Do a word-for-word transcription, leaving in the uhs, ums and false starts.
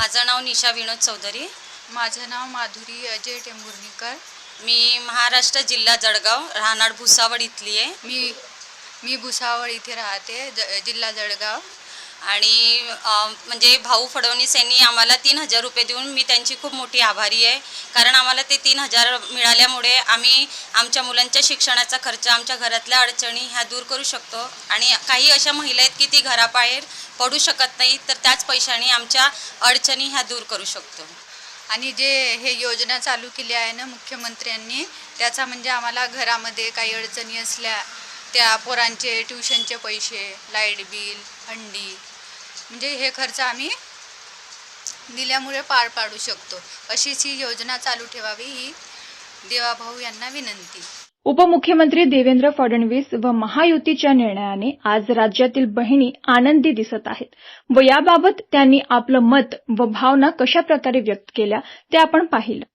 माझं नाव निशा विनोद चौधरी. माझं नाव माधुरी अजय टेंभुर्णीकर. मी महाराष्ट्र जिल्हा जळगाव, राहणार भुसावळ इथली आहे. मी मी भुसावळ इथे राहते, ज जिल्हा जळगाव. आणि म्हणजे भाऊ फडणवीस यांनी आम्हाला तीन हजार रुपये देऊन मी त्यांची खूप मोठी आभारी आहे. कारण आम्हाला ते तीन हजार मिळाल्यामुळे आम्ही आमच्या मुलांच्या शिक्षणाचा खर्च, आमच्या घरातल्या अडचणी ह्या दूर करू शकतो. आणि काही अशा महिला आहेत की ती घराबाहेर पडू शकत नाही, तर त्याच पैशाने आमच्या अडचणी ह्या दूर करू शकतो. आणि जे हे योजना चालू केली आहे ना मुख्यमंत्र्यांनी, त्याचा म्हणजे आम्हाला घरामध्ये काही अडचणी असल्या, त्या पोरांचे ट्युशनचे पैसे, लाईट बिल, हंडी, म्हणजे हे खर्च आम्ही दिल्यामुळे पार पाडू शकतो. अशीच ही योजना चालू ठेवावी ही देवाभाऊ यांना विनंती. उपमुख्यमंत्री देवेंद्र फडणवीस व महायुतीच्या निर्णयाने आज राज्यातील बहिणी आनंदी दिसत आहेत व याबाबत त्यांनी आपलं मत व भावना कशा प्रकारे व्यक्त केल्या ते आपण पाहिलं.